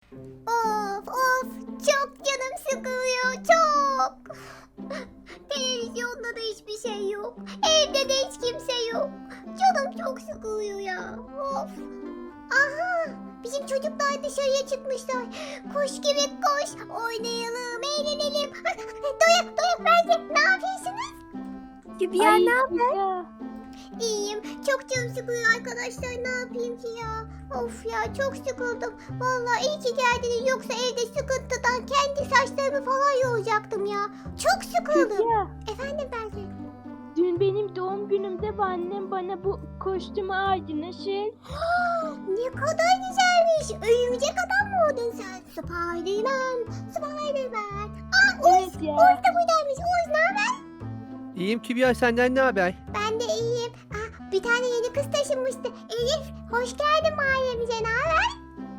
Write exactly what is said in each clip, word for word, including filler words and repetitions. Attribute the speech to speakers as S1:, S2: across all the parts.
S1: Of of çok canım sıkılıyor çok. Televizyonda da hiçbir şey yok. Evde de hiç kimse yok. Canım çok sıkılıyor ya. Of. Aha bizim çocuklar dışarıya çıkmışlar. Koş gibi koş. Oynayalım, eğlenelim. Doya doya bence ne yapıyorsunuz?
S2: Kübra
S3: Ay,
S2: ne haber?
S3: Kübra.
S1: İyiyim. Çok canım sıkılıyor arkadaşlar. Ne yapayım ki ya? Of ya çok sıkıldım. Vallahi iyi ki geldiniz. Yoksa evde sıkıntıdan kendi saçlarımı falan yolacaktım ya. Çok sıkıldım.
S3: Kübra,
S1: Efendim Belki.
S3: dün benim doğum günümde bu annem bana bu kostümü aldı. Nasıl?
S1: Ne kadar güzelmiş. Örümcek adam mı oldun sen? Spiderman. Spiderman. Aa Oğuz.
S3: Evet ya.
S1: Oğuz da buradaymış. Oğuz ne haber?
S4: İyiyim Kübra, senden ne haber?
S1: Ben de iyiyim. Aa, bir tane yeni kız taşınmıştı. Elif hoş geldin mahallemize. Ne haber?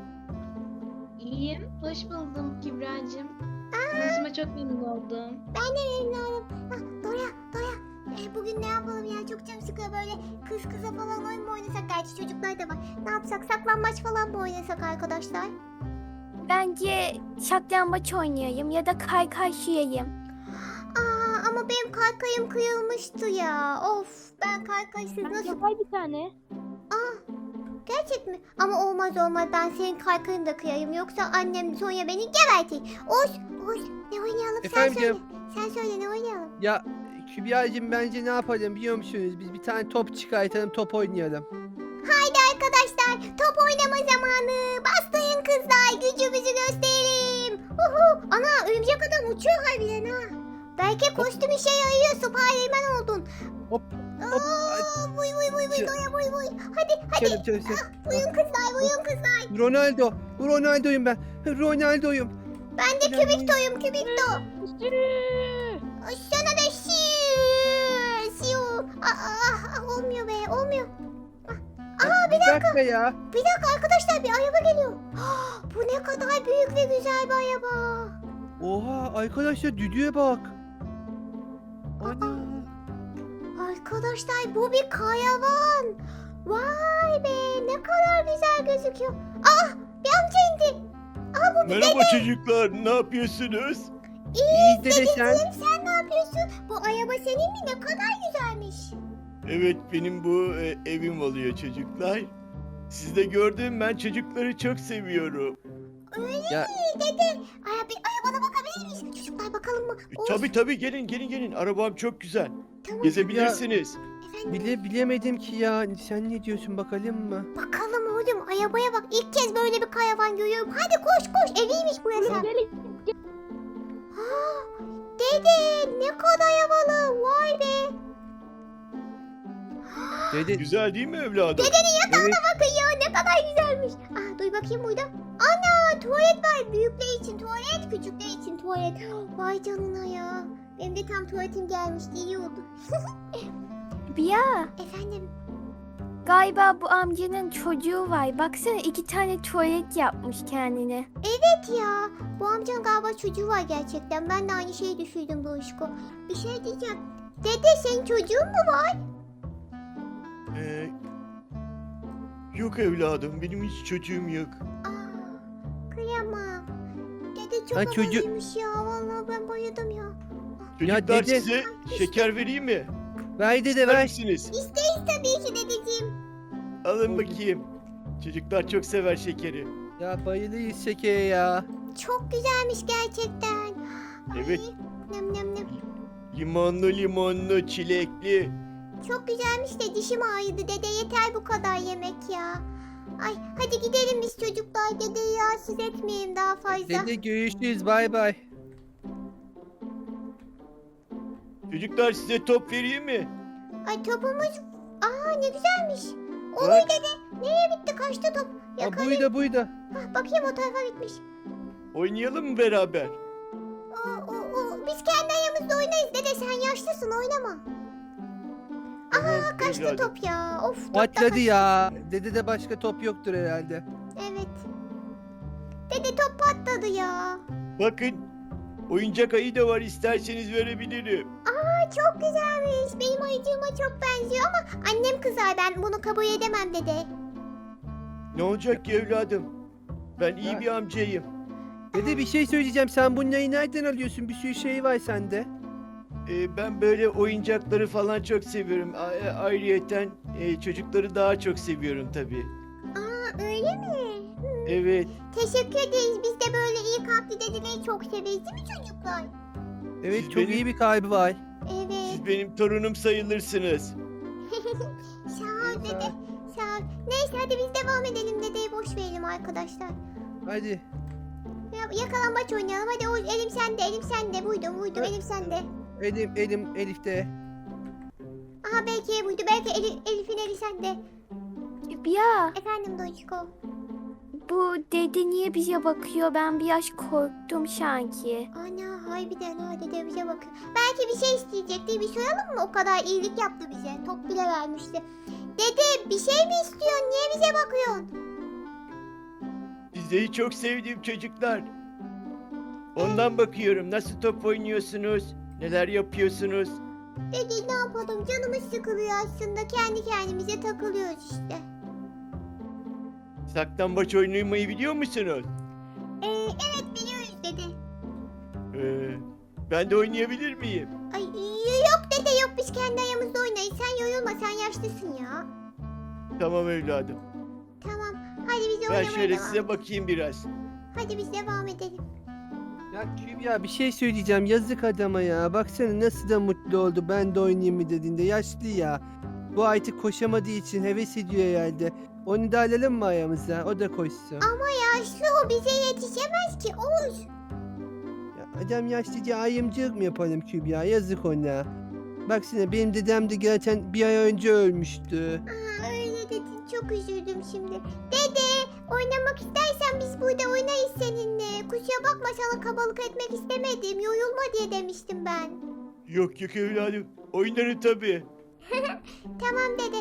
S5: İyiyim. Hoş buldum Kübra'cığım. Tanışma çok memnun oldum.
S1: Ben de memnun oldum. Ah, Dora, Dora. E, bugün ne yapalım ya? Çok canım sıkıyor böyle kız kıza falan oyun mu oynasak? Gerçi çocuklar da var. Ne yapsak? Saklambaç falan mı oynasak arkadaşlar?
S2: Bence saklambaç oynayayım ya da kaykayşıyayım.
S1: Aa, ama benim kaykayım kıyılmıştı ya. Of, ben kaykaysız nasıl...
S3: Var bir tane.
S1: Aa, gerçek mi? Ama olmaz olmaz. Ben senin kaykayını da kıyayım. Yoksa annem Sonya beni gebertir. Oğuz, Oğuz ne oynayalım?
S4: Efendim?
S1: Sen söyle. Sen söyle ne oynayalım?
S4: Ya Kübra'cığım, bence ne yapalım biliyor musunuz? Biz bir tane top çıkartalım, top oynayalım.
S1: Haydi arkadaşlar top oynama zamanı. Bastayın kızlar gücümüzü gösterelim. Uhu. Ana örümcek adam uçuyor harbiden ha. Belki kostüm işe yarıyor. Spiderman oldun.
S4: Hop hop.
S1: Aa, vuy vuy vuy vuy
S4: Çı-
S1: doya vuy vuy. Hadi hadi.
S4: Çalım çalım çalım.
S1: Uyun kızlar uyun kızlar.
S4: Ronaldo. Ronaldo'yum ben. Ronaldo'yum.
S1: Ben de kübiktoyum kübikto.
S3: Sürü.
S1: Sana da şiu. Şiu. Aa, aa, aa, olmuyor be olmuyor.
S4: Aa, bir dakika ya.
S1: Bir dakika arkadaşlar bir araba geliyor. Ah, bu ne kadar büyük ve güzel bir araba.
S4: Oha arkadaşlar, düdüğe bak. Ana.
S1: Arkadaşlar bu bir kayavan. Vay be ne kadar güzel gözüküyor. Ah bir amca indi. Ah bu bir
S6: Merhaba
S1: dede.
S6: çocuklar, ne yapıyorsunuz?
S4: İyi dede sen.
S1: Dedeciğim sen ne yapıyorsun? Bu araba senin mi? Ne kadar güzelmiş.
S6: Evet, benim bu e, evim oluyor çocuklar. Siz de gördüm, ben çocukları çok seviyorum.
S1: Öyle
S4: Ya-
S1: mi dede? Ay, bir arabana bakabilir miyiz? Çocuklar bakalım mı?
S6: E,
S1: Oğuz,
S6: tabii tabii, gelin gelin gelin, arabam çok güzel.
S1: tamam.
S6: Gezebilirsiniz.
S1: Efendim,
S4: Bile bilemedim ki ya. Sen ne diyorsun bakalım mı?
S1: bakalım oğlum arabaya bak. İlk kez böyle bir kayavan görüyorum. Hadi koş koş eviymiş burası.
S3: Gelin.
S1: Ha, dede ne kadar havalı. Vay be.
S4: Dede.
S6: Güzel değil mi evladım?
S4: Evet.
S1: Bakın ya ne kadar güzelmiş. Ah duy bakayım burada. Ana tuvalet var. Büyükler için tuvalet, küçükler için tuvalet. Vay canına ya. Benim de tam tuvaletim gelmişti. İyi oldu.
S2: Kübra,
S1: Efendim.
S2: galiba bu amcanın çocuğu var. Baksana iki tane tuvalet yapmış kendine.
S1: Evet ya. Bu amcanın galiba çocuğu var gerçekten. Ben de aynı şeyi düşündüm Doğuşko. Bir şey diyeceğim. Dede senin çocuğun mu var?
S6: Ee, yok evladım, benim hiç çocuğum yok.
S1: Aa, kıyamam. Dede çok
S4: Ha, çocuğu-
S1: havalıymış ya. Vallahi ben bayıldım ya.
S6: Çocuklar
S4: dede-
S6: size şeker vereyim mi?
S4: Ver dede
S6: İster
S4: ver.
S6: misiniz?
S1: İsteyiz tabii ki dedeciğim.
S6: Alın bakayım. Çocuklar çok sever şekeri.
S4: Ya bayılıyız şekere ya.
S1: Çok güzelmiş gerçekten.
S6: Evet.
S1: Ay, nem nem nem.
S6: Limonlu limonlu, çilekli.
S1: Çok güzelmiş de dişim ağrıdı dede yeter bu kadar yemek ya. Ay hadi gidelim biz çocuklar dedeyi rahatsız etmeyelim daha fazla.
S4: Dede görüşürüz, bay bay.
S6: Çocuklar size top vereyim mi?
S1: Ay topumuz aa ne güzelmiş. Olur
S6: Bak.
S1: dede nereye bitti kaçtı top?
S4: Ha
S1: Yakalayın.
S4: buydu buydu.
S1: Hah, bakayım o tarafa gitmiş.
S6: Oynayalım mı beraber?
S1: O, o, o. Biz kendi ayağımızda oynarız dede sen yaşlısın oynama. Aa kaçtı
S6: evladım.
S1: top ya. Of top da
S4: Patladı
S1: kaçtı.
S4: ya. Dede de başka top yoktur herhalde.
S1: Evet. Dede top patladı ya.
S6: Bakın, oyuncak ayı da var, isterseniz verebilirim.
S1: Aa çok güzelmiş. Benim ayıcığıma çok benziyor ama annem kızar ben bunu kabul edemem dede.
S6: Ne olacak ki evladım? Ben iyi
S4: Ya-
S6: bir amcayım.
S4: Dede bir şey söyleyeceğim. Sen bunları nereden alıyorsun? Bir sürü şey var sende.
S6: Ee, ben böyle oyuncakları falan çok seviyorum. A- e, ayrıyeten e, çocukları daha çok seviyorum tabii.
S1: Aa öyle mi? Hmm.
S6: Evet.
S1: Teşekkür ederiz. Biz de böyle iyi kalpli dedeleri çok severiz değil mi çocuklar?
S4: Evet
S6: Siz
S4: çok
S6: benim-
S4: iyi bir kalbi var.
S1: Evet.
S6: Siz benim torunum sayılırsınız.
S1: Sağ ol dede. Sağ ol. Neyse hadi biz devam edelim. Dedeyi boş verelim arkadaşlar.
S4: Hadi.
S1: Ya, yakalambaç oynayalım. Hadi o, elim sende, elim sende. Buydu, buydu.
S4: Evet.
S1: Elim sende.
S4: Elim, elim Elif'te.
S1: Aha belki buydu. Belki Elif, Elif'in eli sende.
S2: Kübra,
S1: Efendim Doçko.
S2: bu dede niye bize bakıyor? Ben biraz korktum sanki.
S1: Ana harbiden ha dede bize bakıyor. Belki bir şey isteyecekti. Bir soralım mı? O kadar iyilik yaptı bize. Top bile vermişti. Dede bir şey mi istiyorsun? Niye bize bakıyorsun?
S6: Sizleri çok sevdim çocuklar. Ondan bakıyorum. Nasıl top oynuyorsunuz? Neler yapıyorsunuz?
S1: Dede ne yapalım? Canımız sıkılıyor aslında. Kendi kendimize takılıyoruz işte.
S6: Saklambaç oynamayı biliyor musunuz?
S1: Ee, evet biliyoruz dede.
S6: Ee, ben de oynayabilir miyim?
S1: Ay yok dede yok biz kendi ayağımızda oynayız. Sen yorulma sen yaşlısın ya.
S6: Tamam evladım.
S1: Tamam hadi biz
S6: Ben
S1: oynamaya
S6: şöyle
S1: devam.
S6: size bakayım biraz.
S1: Hadi biz devam edelim.
S4: Ya Kübra bir şey söyleyeceğim. Yazık adama ya. Baksana nasıl da mutlu oldu. Ben de oynayayım mı dediğinde. Yaşlı ya. Bu artık koşamadığı için heves ediyor herhalde. Onu da alalım mı ayağımıza? O da koşsun.
S1: Ama yaşlı o bize yetişemez ki Oğuz.
S4: Ya adam yaşlıca ayımcılık mı yapalım Kübra? Yazık ona. Baksana benim dedem de gerçekten bir ay önce ölmüştü.
S1: Aa, öyle dedin çok üzüldüm şimdi. Dede oynamak istersen biz burada oynayız seninle. Kusura bakma sana kabalık etmek istemedim. Yorulma diye demiştim ben.
S6: Yok yok evladım. Oynarım tabii.
S1: Tamam dede.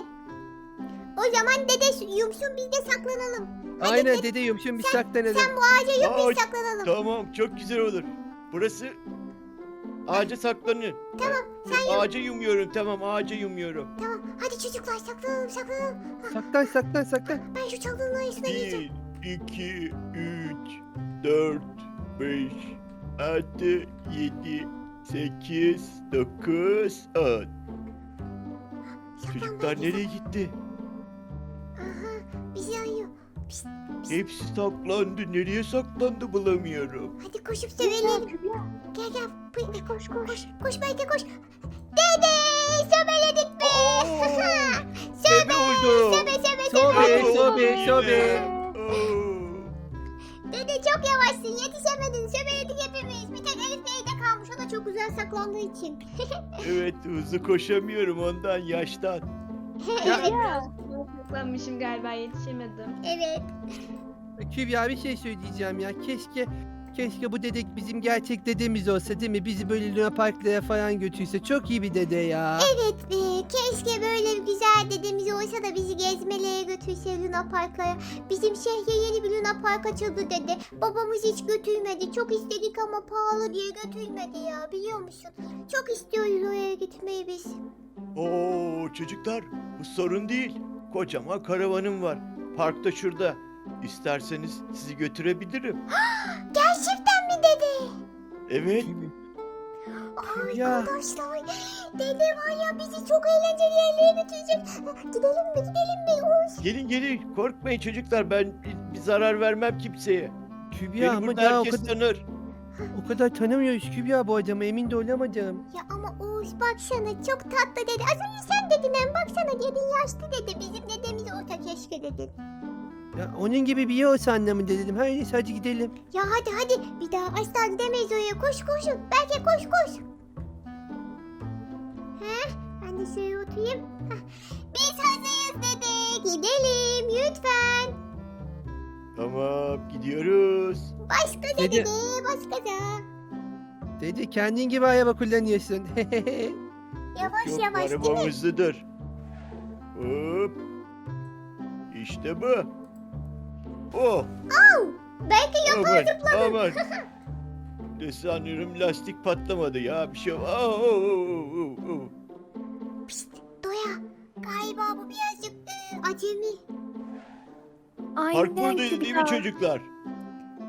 S1: O zaman dede yumsun biz de saklanalım. Hadi
S4: Aynen
S1: dede,
S4: dede yumuşun bir saklanalım.
S1: sen bu ağaca yum
S6: Aa,
S1: biz saklanalım.
S6: Tamam çok güzel olur. Burası ağaca saklanın.
S1: Tamam sen yum.
S6: Ağaca yumuyorum tamam ağaca yumuyorum.
S1: Tamam hadi çocuklar saklanalım saklanalım.
S4: Saklan saklan saklan.
S1: Ben şu çalının arasına gireceğim.
S6: Bir, iki, üç, dört, beş, altı, yedi, sekiz, dokuz, on.
S1: Saklan
S6: Çocuklar
S1: bence,
S6: nereye gitti?
S1: Aha bizi arıyor. Pişt,
S6: Hepsi saklandı. Nereye saklandı bulamıyorum.
S1: hadi koşup sövelim. Gel gel. Koş koş koş. Koş, koş belki koş. Dede söbeledik mi?
S6: Sebe oldu.
S1: Söbe söbe
S4: Sobe
S1: söbe.
S4: sobe sobe.
S6: Oo.
S1: Dede çok yavaşsın yetişemedin. Söbeledik hepimiz. Bir tek Elif neyde kalmış o da çok güzel saklandığı için.
S6: Evet hızlı koşamıyorum ondan yaştan.
S1: evet.
S3: Ya.
S5: Saklanmışım galiba yetişemedim.
S1: Evet.
S4: Kübra bir şey söyleyeceğim ya. Keşke keşke bu dedek bizim gerçek dedemiz olsa değil mi? Bizi böyle Luna Park'lara falan götürse. Çok iyi bir dede ya.
S1: Evet be. Keşke böyle bir güzel dedemiz olsa da bizi gezmelere götürse Luna Park'lara. Bizim şehre yeni bir Luna Park açıldı dede. Babamız hiç götürmedi. Çok istedik ama pahalı diye götürmedi ya biliyor musun? Çok istiyoruz oraya gitmeyi biz.
S6: Oo çocuklar bu sorun değil. Kocaman karavanım var. Parkta şurada. İsterseniz sizi götürebilirim.
S1: Gerçekten mi dede?
S6: Evet.
S4: Ya.
S1: Arkadaşlar dede var ya bizi çok eğlenceli yerlere götürecek. Gidelim mi gidelim mi? Oğuz.
S6: Gelin gelin. Korkmayın çocuklar. Ben bir, bir zarar vermem kimseye.
S4: Kübra
S6: Beni
S4: ama
S6: burada
S4: daha o
S6: herkes
S4: kadar,
S6: tanır.
S4: o kadar tanımıyoruz Kübra bu adamı. Emin de olamadım.
S1: Ya ama Oğuz baksana çok tatlı dede. Az önce sen dedin hem baksana dedin yaşlı dede. Bizim dedemiz olsa keşke dedin.
S4: Ya onun gibi bir yer olsa anlamında dedim. Hayır hadi gidelim.
S1: Ya hadi hadi bir daha asla gidemeyiz oraya. Koş koşun. Belki koş koş. Heh, ben de şöyle oturayım. Heh. Biz hazırız dede. Gidelim lütfen.
S6: Tamam gidiyoruz.
S1: Başka
S4: Dede.
S1: dede başka da.
S4: Dede kendin gibi araba kullanıyorsun.
S1: Yavaş
S6: Çok
S1: yavaş değil mi?
S6: arabam hızlıdır. Hop. İşte bu. Oh.
S1: Belki
S6: Aman aman. Ne sanıyorum lastik patlamadı ya. Bir şey var. Oh, oh, oh, oh, oh.
S1: Pişt, Doya. Galiba bu birazcık e, acemi.
S2: Aynen
S6: Park buradaydı değil mi
S2: Kübra.
S6: çocuklar?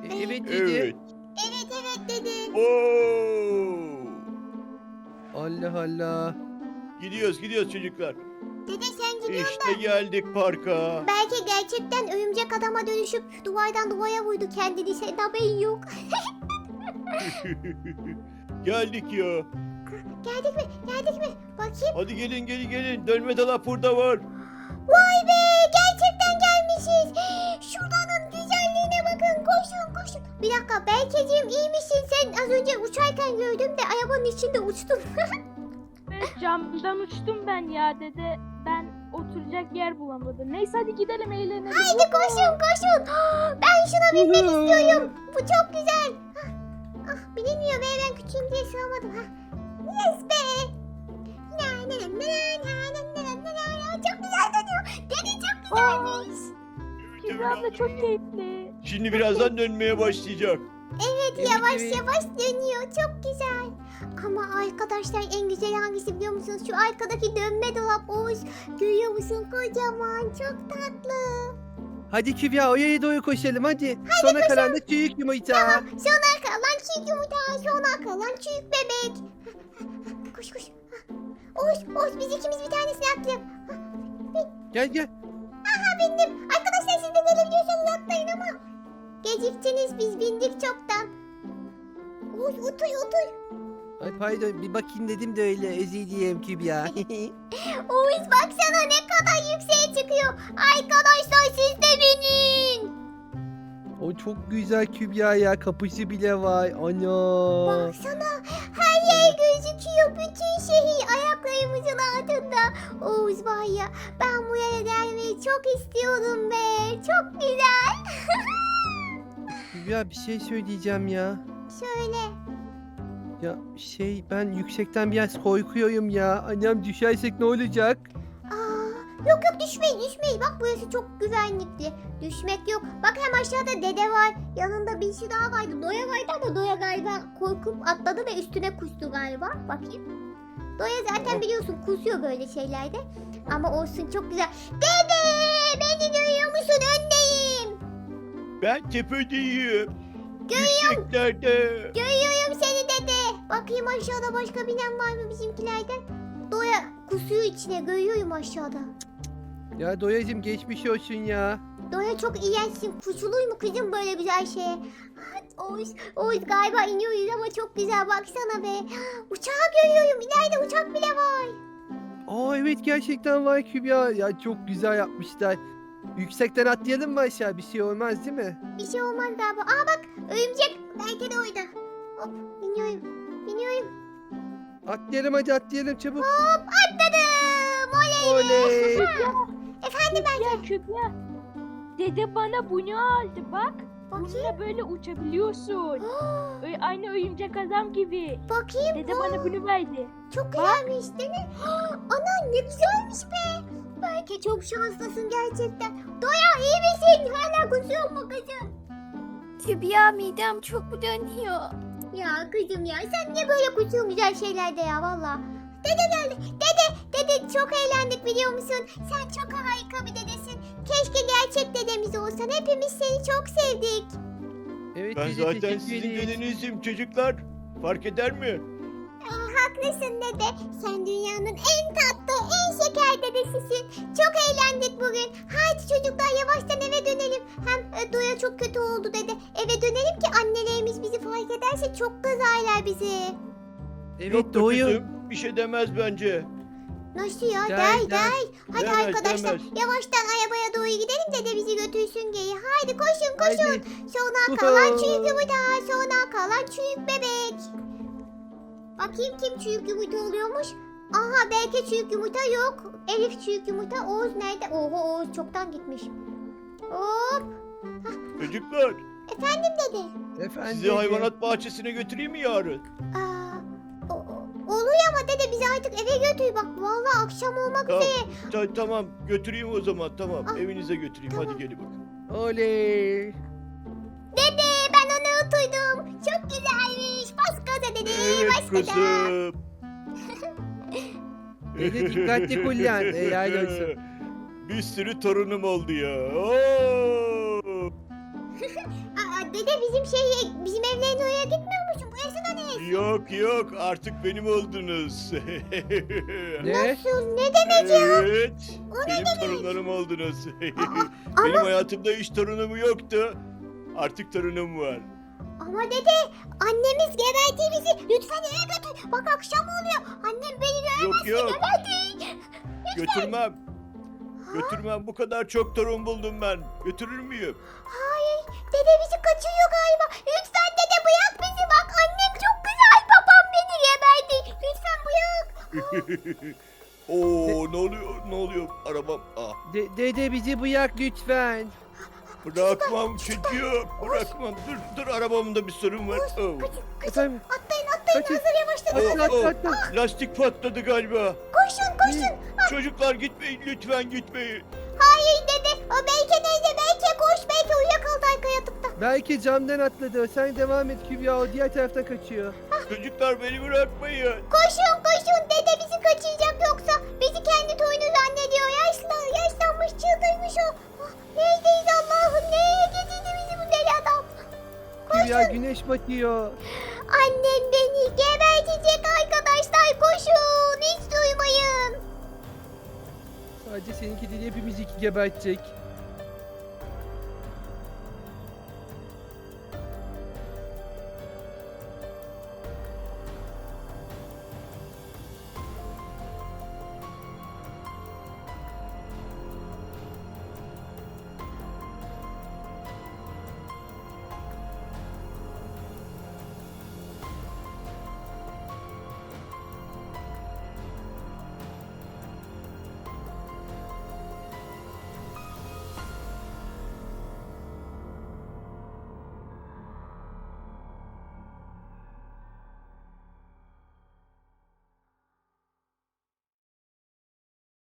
S4: E, evet dedi.
S6: Evet.
S1: Evet evet dedi.
S6: Oo!
S4: Allah Allah.
S6: Gidiyoruz gidiyoruz çocuklar.
S1: Dede sen gidiyorsun.
S6: İşte geldik parka.
S1: Belki gerçekten örümcek adama dönüşüp duvardan duvara vurdu kendini. Senin haberin yok.
S6: Geldik ya.
S1: Geldik mi? Geldik mi? Bakayım.
S6: Hadi gelin gelin gelin. Dönme dolap burada var.
S1: Vay be! Gerçekten gelmişiz. Şuranın güzelliğine bakın. Koşun koşun. Bir dakika Berkeciğim iyi misin? Sen az önce uçarken gördüm de arabanın içinde uçtun.
S3: Evet, camdan uçtum ben ya dede. Ben oturacak yer bulamadım. Neyse hadi gidelim eğlenelim.
S1: Haydi koşun koşun. Ben şuna binmek istiyorum. Bu çok güzel. Ah, ah bilinmiyor be ben küçüğüm diye sığamadım. Ha. Yes be. Na, na, na, na, na, na, na, na, na. Çok güzel dönüyor. Dede çok güzelmiş.
S3: Kübra abla çok keyifli.
S6: Şimdi birazdan dönmeye başlayacak.
S1: Evet
S4: Evet,
S1: yavaş
S4: evet.
S1: yavaş dönüyor. Çok güzel. Ama arkadaşlar en güzel hangisi biliyor musunuz? Şu arkadaki dönme dolap Oğuz. Görüyor musun? Kocaman. Çok tatlı.
S4: Hadi Kübra oraya doğru koşalım hadi. Sona kalan da çürük yumurta.
S1: Sona kalan çiğ yumurta. Sona kalan çiğ bebek. Koş koş. Oğuz, Oğuz biz ikimiz bir tanesini atlayalım.
S4: Gel gel.
S1: Aha bindim. Arkadaşlar siz de gelebiliyorsanız atlayın ama. Geciktiniz biz bindik çoktan. Oğuz otur otur.
S4: Ay pardon bir bakayım dedim de öyle özür dileyim Kübra.
S1: Oğuz baksana ne kadar yükseğe çıkıyor. Arkadaşlar siz de binin.
S4: O çok güzel Kübra ya kapısı bile var. Ana.
S1: Baksana her yer gözüküyor. Bütün şehir ayaklarımızın altında. Oğuz var ya ben buraya gelmeyi çok istiyordum be. Çok güzel.
S4: Kübra bir şey söyleyeceğim ya.
S1: Şöyle.
S4: Ya şey ben yüksekten biraz korkuyorum ya. Annem düşersek ne olacak?
S1: Aa, yok yok düşmeyin düşmeyin. Bak burası çok güvenlikli. Düşmek yok. Bak hem aşağıda dede var. Yanında bir şey daha vardı. Doya vardı ama Doya galiba korkup atladı ve üstüne kustu galiba. Bakayım. Doya zaten biliyorsun kusuyor böyle şeylerde. Ama olsun çok güzel. Dede beni görüyor musun? Öndeyim.
S6: Ben tepedeyim. Yükseklerde.
S1: Görüyorum seni dede. Bakayım aşağıda başka binen var mı bizimkilerden? Doya kusuyor içine. Görüyorum aşağıda.
S4: Ya Doyacım geçmiş olsun ya.
S1: Doya çok iğrençsin. Kusuluy mu kızım böyle güzel şeye? Oğuz, Oğuz galiba iniyoruz ama çok güzel baksana be. Uçağı görüyorum. İleride uçak bile var.
S4: Aa evet gerçekten var Kübra. Ya çok güzel yapmışlar. Yüksekten atlayalım mı aşağı? Bir şey olmaz değil mi?
S1: Bir şey olmaz galiba. Aa bak örümcek belki de orada. Hop biniyorum. Biniyorum.
S4: Atlayalım hadi atlayalım çabuk.
S1: Hop atladım. Oley.
S4: Oley.
S1: Efendim ben
S3: Ya Kübra. Dede bana bunu aldı bak.
S1: bakayım.
S3: Bununla böyle uçabiliyorsun. Öyle aynı oyuncak adam gibi.
S1: Bakayım.
S3: Dede bana bunu verdi.
S1: Çok güzelmiş değil mi? Ana ne güzelmiş be. Belki çok şanslısın gerçekten. Doya iyi misin? Hala kusuyor mu kızım?
S2: Kübra midem çok bulanıyor.
S1: Ya kızım ya sen niye böyle kusuyorsun güzel şeylerde ya valla. Dede geldi. Dede, dede çok eğlendik biliyor musun? Sen çok harika bir dedesin. Keşke gerçek dedemiz olsan. Hepimiz seni çok sevdik.
S4: Evet
S6: Ben
S4: dede,
S6: zaten
S4: teşekkür
S6: sizin
S4: ederiz.
S6: dedenizim çocuklar. Fark eder mi?
S1: Haklısın dede. Sen dünyanın en tatlı, en şeker dedesisin. Çok eğlendik bugün. Haydi çocuklar yavaştan eve dönelim. Hem e, Doya çok kötü oldu dede. Eve dönelim ki annelerimiz bizi fark ederse çok kızarlar bizi.
S4: Evet
S6: Yok be
S4: Doğuyor.
S6: kızım, bir şey demez bence.
S1: Nasıl ya?
S4: Der,
S1: Der
S4: der.
S1: der. Hadi
S6: Demez,
S1: arkadaşlar
S6: demez.
S1: yavaştan arabaya doğru gidelim dede bizi götürsün geri. Haydi koşun koşun.
S4: Haydi.
S1: Sonra kalan çürük yumurta. Sonra kalan çürük bebek. Bakayım kim çürük yumurta oluyormuş. Aha belki çürük yumurta yok. Elif çürük yumurta. Oğuz nerede? Oho Oğuz çoktan gitmiş. Hop.
S6: Çocuklar,
S1: Efendim dede.
S4: Efendim.
S6: sizi hayvanat bahçesine götüreyim mi yarın?
S1: Aa, o- o- oluyor ama dede bizi artık eve götür. Bak vallahi akşam olmak
S6: Tamam.
S1: üzere.
S6: Ta- tamam, götüreyim o zaman. Tamam,
S1: Ah,
S6: evinize götüreyim.
S1: tamam.
S6: Hadi gelin bakın.
S4: Oley.
S1: Dede ben onu unutuydum. Çok güzelmiş. Bas gaza dede.
S6: Evet
S1: Bas gaza.
S6: kızım.
S4: Dede dikkatli kullan. Helal olsun.
S6: Bir sürü torunum oldu ya. Oo!
S1: Aa, dede bizim şey bizim evlerin oraya gitmiyor musun? Burası da ne?
S6: Yok yok artık benim oldunuz.
S4: Ne?
S1: Nasıl? Ne demek ya?
S6: Evet. Benim torunlarım oldunuz. Benim hayatımda hiç torunum yoktu. Artık torunum var.
S1: Ama dede annemiz geberdi bizi. Lütfen eve götür. Bak akşam oluyor. Annem beni
S6: Yok yok
S1: geberdi.
S6: götürmem. Götürmem, bu kadar çok torun buldum ben. Götürür müyüm?
S1: Hayır. Dede bizi kaçırıyor galiba. Lütfen dede bırak bizi. Bak annem çok güzel. Babam beni geberdi. Lütfen bırak.
S6: Oo ne oluyor ne oluyor arabam. Ah,
S4: De- dede bizi bırak lütfen.
S6: bırakmam çocuğu bırakmam. Dur dur arabamda bir sorun var. Oh.
S4: Efendim?
S1: Atlayın atlayın.
S4: Kaçın.
S1: Hazır yavaşlayın.
S4: Atla
S6: Oh,
S4: atla
S6: oh.
S4: atla.
S6: Lastik patladı galiba.
S1: Koşun koşun.
S6: Çocuklar gitmeyin lütfen gitmeyin.
S1: Hayır dede. O belki neyse belki koş. Belki uyuyakaldı arka yatıkta.
S4: Belki camdan atladı. Sen devam et Kübra, o diğer taraftan kaçıyor.
S6: Çocuklar beni bırakmayın.
S1: Koşun koşun. Dede bizi kaçıracak yoksa. Bizi kendi toyunu zannediyor. Yaşlı, yaşlanmış çıldırmış o. Ah, neredeyiz Allah'ım? Nereye getirdi bizi bu deli adam?
S4: Kübra, güneş batıyor.
S1: Annem beni gebertecek arkadaşlar. Koşun. Hiç duymayın.
S4: Sadece seninki değil, hepimizi gebertecek.